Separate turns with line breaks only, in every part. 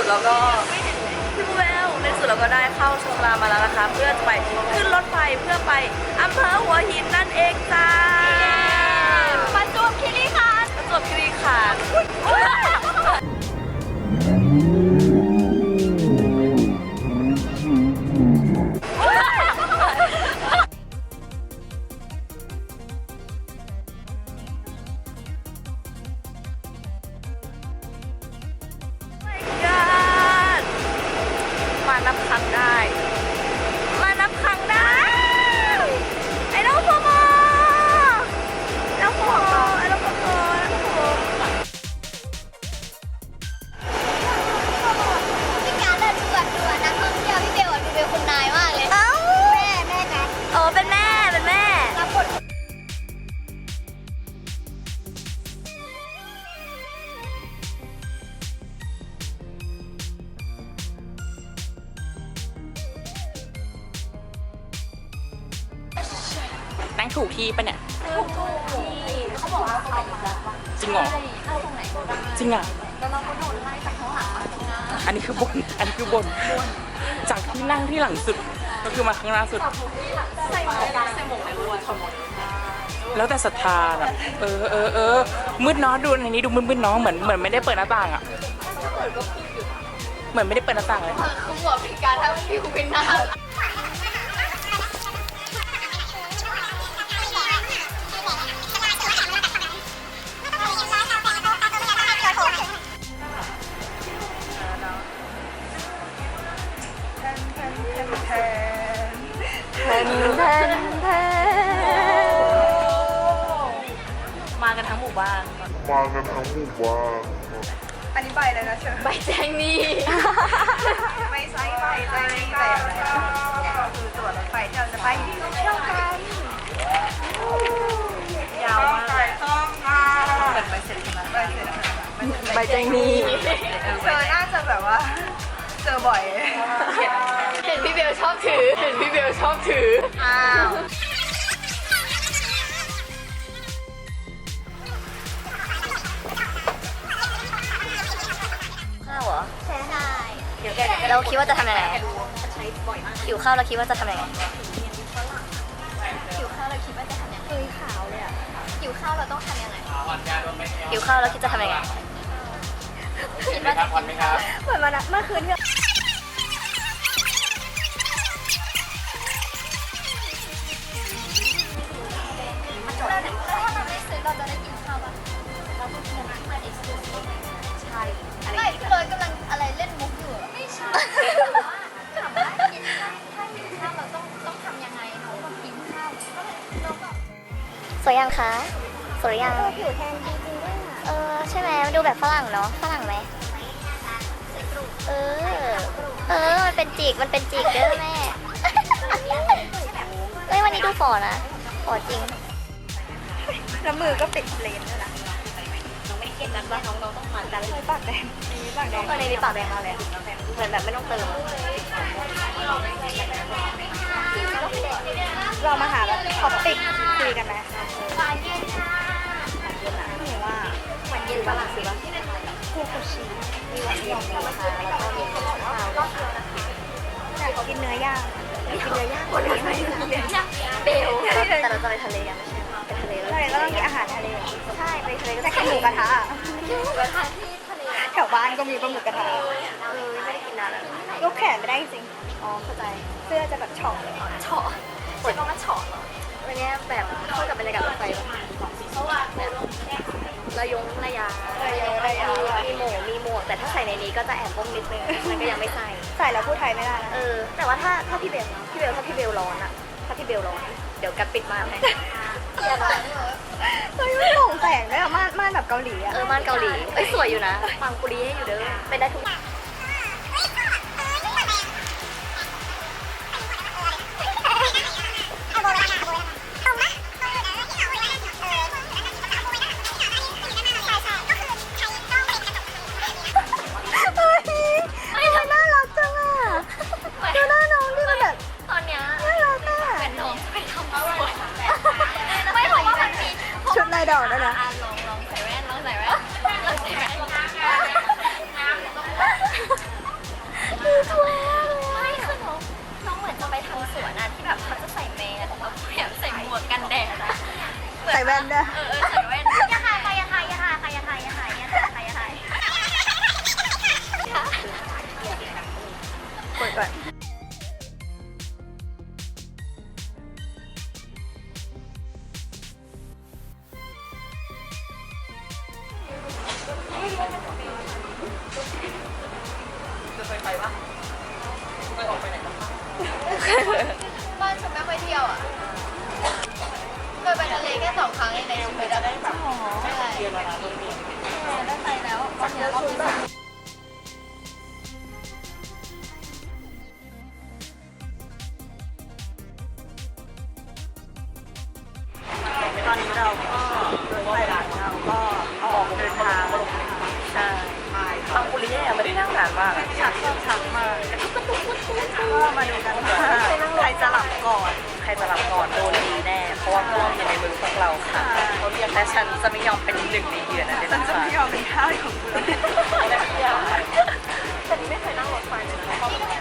เราก็พี่บูเบลในสุดเราก็ได้เข้าชลามาแล้วนะคะเพื่อจะไปขึ้นรถไฟเพื่อไปอำเภอหัวหินนั่นเองจ้าประจวบคีรีขันธ์ประจวบคีรีขันธ์มานับครั้งได้มานับครั้งได้ไอ้น้องพ่อมอน้องพ่อไอ้น้องพ่อ
พี่การเดินด่วนนักท่องเที่ยวพี่เบลดูเป็นคุณนายมากเลยแม่กัน
เป็นแม่
รับบท
นั่งถูกที่ปะเนี่ย
ถูกที่เขาบอกว่าเขามา
จริงเหรอ
เข้าตรงไหนก็ได้
จริงอ่ะ
แล้วเราก็โดนไล่จากข้างหลังมาข้างหน้า
อันนี้คือบนจากที่นั่งที่หลังสุดก็คือมาข้างหน้าสุด
ใส่หมวกในรถขโมย
แล้วแต่ศรัทธาแบบมืดเนาะดูในนี้ดูมืดๆเนาะเหมือนไม่ได้เปิดหน้าต่างอ่ะเหมือนไม่ได้เปิดหน้าต่างเลย
เขาบอกพี่การถ้าพี่คุณเป็นหน้า
มากันทั้งหมู่บ้าน
อันนี้ใบเลยนะเชิญ
ใบแจ้งนี่
ไม่ใช่ใบแจ้งนี่แต่อะไรก็คือตั๋วรถไฟที่เราจะไปเที่ยวกันยาวมากแต่ใบเสร็จใช่ไหมใบเสร็จ
ใบแจ้งนี้
เจอน่าจะแบบว่าเจอบ่อย
เห็นพี่เบลชอบถือ
อ้าว
ข้าวเหรอ
ใช่
เดี๋ยวเราคิดว่าจะทำยังไงหิวข้าวเราคิดว่าจะทำยังไง
หิวข้าวเราคิดว่าจะทำยังไงขาวเลยอ่ะหิวข้าวเราต้องทำยังไง
หิวข้าวเราคิดจะทำยังไง
คิดว่าจะกินข้าวเหมือนวันเมื่อคืนที่ถ้าเราไม่ซื้อเราจะได้กินข้าวป่ะเราต้องกินอาหารเอ็กซ์คลูซีฟใช่ไม่เลยกำลังอะไรเล่นมุกอยู่ไม่ใช่ถามว่ากินถ้ากินข้าวเราต้องทำยังไงเราต้องกินข้าวเราก็
สวยยังคะสวยยัง
ผิวแทนจริงๆด้วยอ่ะ
ใช่ไหมมันดูแบบฝรั่งเนาะฝรั่งไหมมันเป็นจิกเด้อแม่เฮ้ยวันนี้ดูฝ่อนะฝ่อจริง
แล้วมือก็ปิดเลนด้วยนะ
น้องไม่ได้เครียดกันว่าน้องต้องผ่านกัน
ปากแดงมีปากแดง
ตอนนี้มีปากแดงมาเลยเหมือนแบบไม่ต้องเติม
เรามาหาแบบท็อปปิกคุยกันไหมหนูว่า
เหมือนเย็นปะล่ะสิวะ
คูคุชิ
มีหวานเย็นมีนะคะแล้วก็มีข้าวเช้า
อยากกินเนื้อย่าง
กินเนื้อย่างคนนี้ไม่เบลแต่เราจะไปทะเลกันไม่ใช่ไปทะเลแล้ว
ใช่แล้วต้องกินอาหารทะเล
ใช่ไปทะเลก็
แต่กินหมูกระทะ
กระทะที่ทะเล
แถวบ้านก็มีปลาหมึกกระทะ
ไม่ได้กินนานแล้ว
ยกแขนไม่ได้จริง
อ๋อเข้าใจ
เสื้อจะแบบช็อปเลย
เฉาะใช้คำว่าเฉาะเหรอวันนี้แบบเข้ากับบรรยากาศรถไฟเพราะว่าแบบระยงระยามีหมวกแต่ถ้าใส่ในนี้ก็จะแอบบ้งนิดนึงมันก็ยังไม่ใส่
ใส่แล้วพูดไทยไม่ได้นะ
แต่ว่าถ้าพี่เบลถ้าพี่เบลร้อนอะถ้าพี่เบลร้อนเดี๋ยวกัดปิดม่านให้
เฮ้ยไม่หลงแสงด้วยอะม่านแบบเกาหลีอะ
ม่านเกาหลีสวยอยู่นะปังปุรีให้อยู่เด้อเป็นได้ทุกน่ารักจังอะดูหน้าน้องดิมันแบบ
ตอนเนี้ย
น่ารักอะ
เป็นน้องไปทำอะไรไม่เพราะว่ามันมี
ชุดลายดอกด้วยนะ
ลองใส่แว่นไม่คือน้องเหมือนจะไปทำสวนอะที่แบบเขาจะใส่แมสแล้วแบบใส่หมวกกันแดดอะ
ใส่แว่นด้วย
ใส่แว่นอย่าถ่ายใครอย่าถ่ายอย่าถ่ายใครอย่าถ่ายอย่าถ่ายอย่าถ่ายอย่าถ่าย
กดก่อน
บ้านฉันไม่ค่อยเที่ยวอ่ะเคยไปทะเลแค่2 ครั้งเองในชีวิตอะได้แบบใช่ได้ไปแล้วตอนนี้รอบที่
ตอนนี้เราก็รถไฟหลังเราก็เอาออกเดินทางใช่
ปังปุริเย่ไม่ได้นั่งนานมากอะ
ชักมากก็มาดูกันว่าใครจะหลับก่อน
ใครจะรับก่อนโดนดีแน่ เพราะว่าพวกอยู่ในมือพวกเราค่ะแต่ฉันจะไม่ยอมเป็นหนึ่งในเหยื่อนะเด็ด
ฉันจะ
ขาด
ไม่ยอมเป็นท่าสของคุณ
แต่นี่ไม่เคยนั่งรถไฟเลยนะ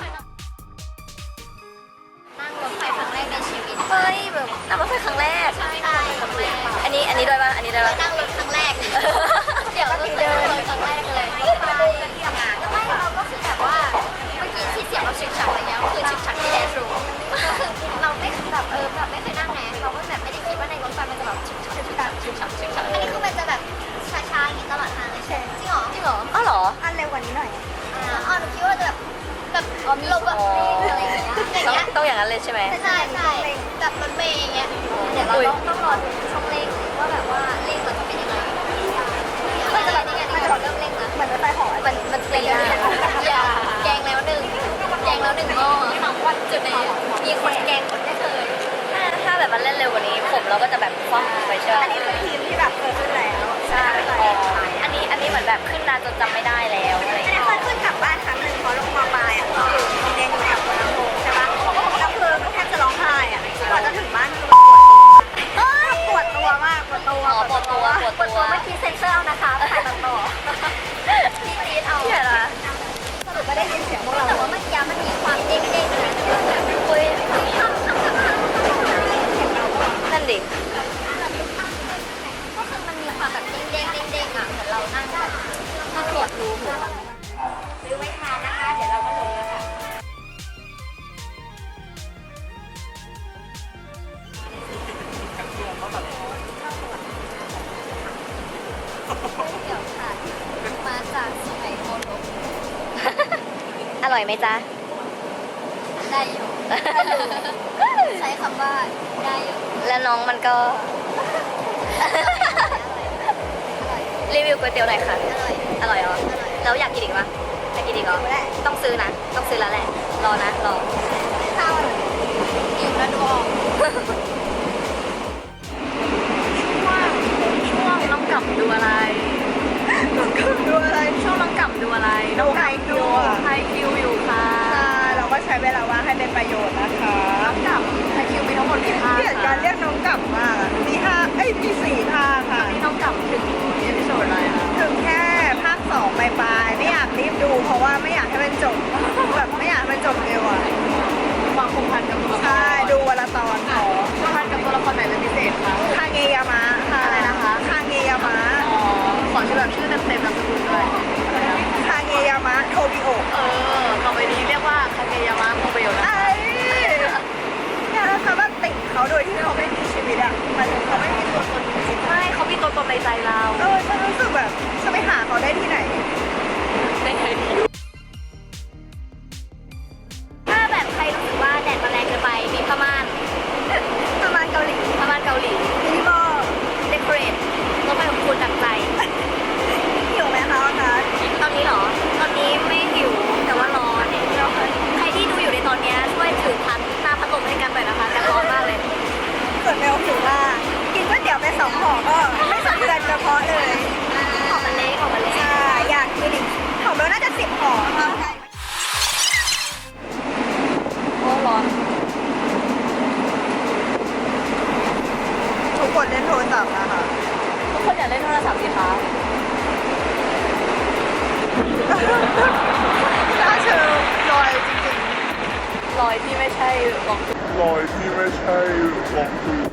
นั่งรถไฟครั้งแรกในชีวิตเฮ้ยแบบ
นั่งรถไฟครั้งแรก
ใช่ครั้งแรก
อันนี้ด้วยป่ะ อันนี้ด้วยป่ะ
นั่งรถครั้งแรก เดี๋ยวก็คือเดินครั้งแรกเลยไม่ไปที่ทำงานแล้วไม่เราก็คือแบบว่าเมื่อกี้ที่เสียงเราฉึกฉักอะไรเงี้ยก็คือฉึกฉักที่แดชรูมเราไม่แบบแบบไม่เคยนั่งไงเราก็แบบไม่ได้คิดว่าในรถไฟมันจะแบบฉึกฉักฉึกฉักฉึกฉักฉึกฉักอันนี้คือมันจะแบบช้าๆอย่างนี้ตลอดทางเลยใช่จริงเหรอจริงเหรอ
อ้าวเหรอ
อันเร็วกว่านี้หน่อย
อ๋อหนูคิดว่าจะแบบลงแบบอะไรอย่างเงี้ยอย่างเงี้ย
ต้องอย่างนั้นเลยใช่ไหม
ใช่แบบรถเมย์อย่างเงี้ยเดี๋ยวเราต้องรอดูช่องเร่งว่าแบบว่าเร่งเราจะเป็นยังไงมันจะแบบยังไงมันจะเริ่มเร่งนะ
เหมือนรถไฟหอ
มันตีได้อย่าแกงแล้วหนึ่งหม้อจุดไหนมีคนแกงคนไม่เคย
ถ้าแบบมันเล่นเร็วกว่านี้ ผมเราก็จะแบบคว่ำไปเชื่อ
อันนี้คือทีมที่แบบเคยขึ้นแล้ว
ใช่อันนี้เหมือนแบบขึ้นนานจนจำไม่ได้แล้วอะไรอย่าง
อัน
เงี้
นี้
ย
เคยขึ้นกลับบ้านครั้งหนึ่งเพราะลงมาปลายอ่ะอยู่เรียนอยู่แถวหัวลำโพงใช่ปะแล้วคือแทบจะร้องไห้อ่ะก่อนจะถึงบ้านคือปวดตัวมากปวดตัว
ปวดตัว
เมื่อกี้เซ็นเซอร์เอานะคะถ่ายต่อพี่จี๊ดเอา
เหี้ยละ
สรุปก็ได้ยินเสียงพวกเราแต่ว่าเมื่อกี้มันมีความเด้งๆนะแบบคุยทำ
นั่นดิ
ก็คือมันมีความแบบเด้งอ่ะเหมือนเรานั่งแบบมาตรวจรูหูซื้อไว้ทานนะคะเดี๋ยวเราก็ลงแล้วค่ะเดี๋ยวค่ะมาจากสุไหงโกลก
อร่อยไหมจ๊ะ
ได้อยู่ ใช้คำว่าได้อยู่
แล้วน้องมันก็ รีวิวก๋วยเตี๋ยวหน่อยค่ะ อร่อยเหรอ แล้วอยากกินอีกปะอยากกินอีกเหรอต้องซื้อนะ ต้องซื้อแล้วแหละ รอนะ รอ
ข้าวอิ่มแล้วดูออก
ช่วงน้องกลับดูอะไร
ดูอะไร
ช่วงน้องกลับดูอะไร
ดูไฮคิวอ่ะ
ไฮคิวอยู่ค่ะ
เราก็ใช้เวลาว่างให้เป็นประโยชน์นะคะ
น้องกลับไฮคิวมีทั้งหมดกี่ท่า
เปลี่ยนการเรียกน้องกลับมากอะมีมี4 ภาคค่ะ
นี่น้องกลับถึงเอพิโซดอะไรนะ
ถึงแค่ภาค2ปลายๆไม่อยากรีบดู เพราะว่าไม่อยากให้มันจบแบบไม่อยากให้มันจบเร็วอ่ะ
ความผูกพันกับตัวละคร
ใช่ดูวันละตอนขอ
ผูกพันกับตัวละครไหนเป็นพิเศษคะ
คาเงยามะค่ะ
อะไรนะคะ
คาเงยามะ
อ๋อ ขอชื่อแบบชื่อเต็มๆนามสกุลด้วย
คาเงยามะโทบิโอะ
ต่อไปนี้เรียกว่าคาเกยามะโมเบลนะ
ไอ้เนี่ยแล้วเขาแบบติ่งเขาโดยที่เขาไม่มีชีวิตอ่ะมันเขาไม่มีตัวตนจริง
ไม่เขามีตัวตนในใจเรา
ฉันรู้สึกแบบจะไปหาเขาได้ที่ไหน
ในเคยดี
ถ้าแบบใครรู้สึกว่าแดดมันแรงเกินไปมีผ้าม่าน
ประมาณเกาหลี
ผ้าม่านเกาหลี
มินิมอล
เดคอเรทรถไฟของคุณดังใจ
หิวไหมคะอากาศ
ตอนนี้เหรอ ตอนนี้ไม่หิวแต่ว่าร้อนใครที่ดูอยู่ในตอนนี้ช่วยถือหน้าพัดลมให้กันหน่อยนะคะกันร้อนมากเลย
ส่วนเมลหิวมากกินก๋วยเตี๋ยวไป2 ห่อก็ไม่สะเทือนกระเพาะเลย
ของมันเล็กของมันเล็ก
ใช่อยากกินอีกของเมลน่าจะ10 ห่อค่ะ
โอ้ร้อน
ทุกคนเล่นโทรศัพท์นะคะ
ทุกคนอยากเล่นโทรศัพท์สิคะ
ถ้าเชิญร้อน
รอยที่ไม่ใช่กองทุน
รอยที่ไม่ใช่กองทุน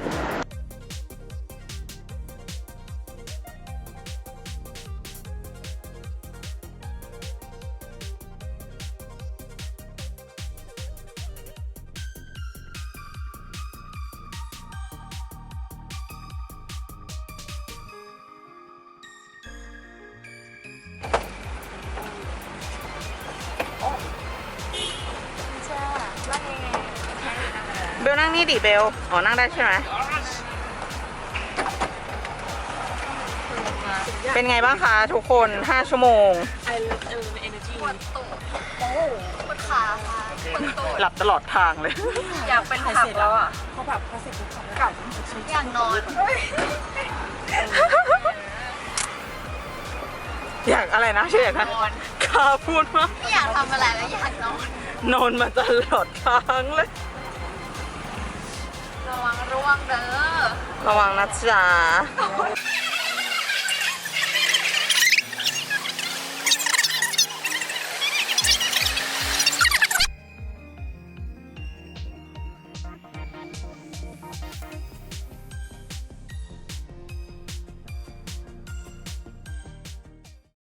เบลนั่งนี่ดิเบล อ๋อ นั่งได้ใช่ไหม เป็นไงบ้างคะทุกคน 5 ชั่วโมง
ปวดตูดโอ้ปวดขาค่ะปวดตูด
หลับตลอดทางเลย
อยากเป็นผักแล้วอ่ะ
อยากนอน
อยากอะไรนะชื่ออยากนะกาพูดว่า
ไม่อยากทำอะไรแล้วอยากนอน
นอนมาตลอดทางเลย
ระวังร่วงเด้อ
ระวังนะจ๊ะ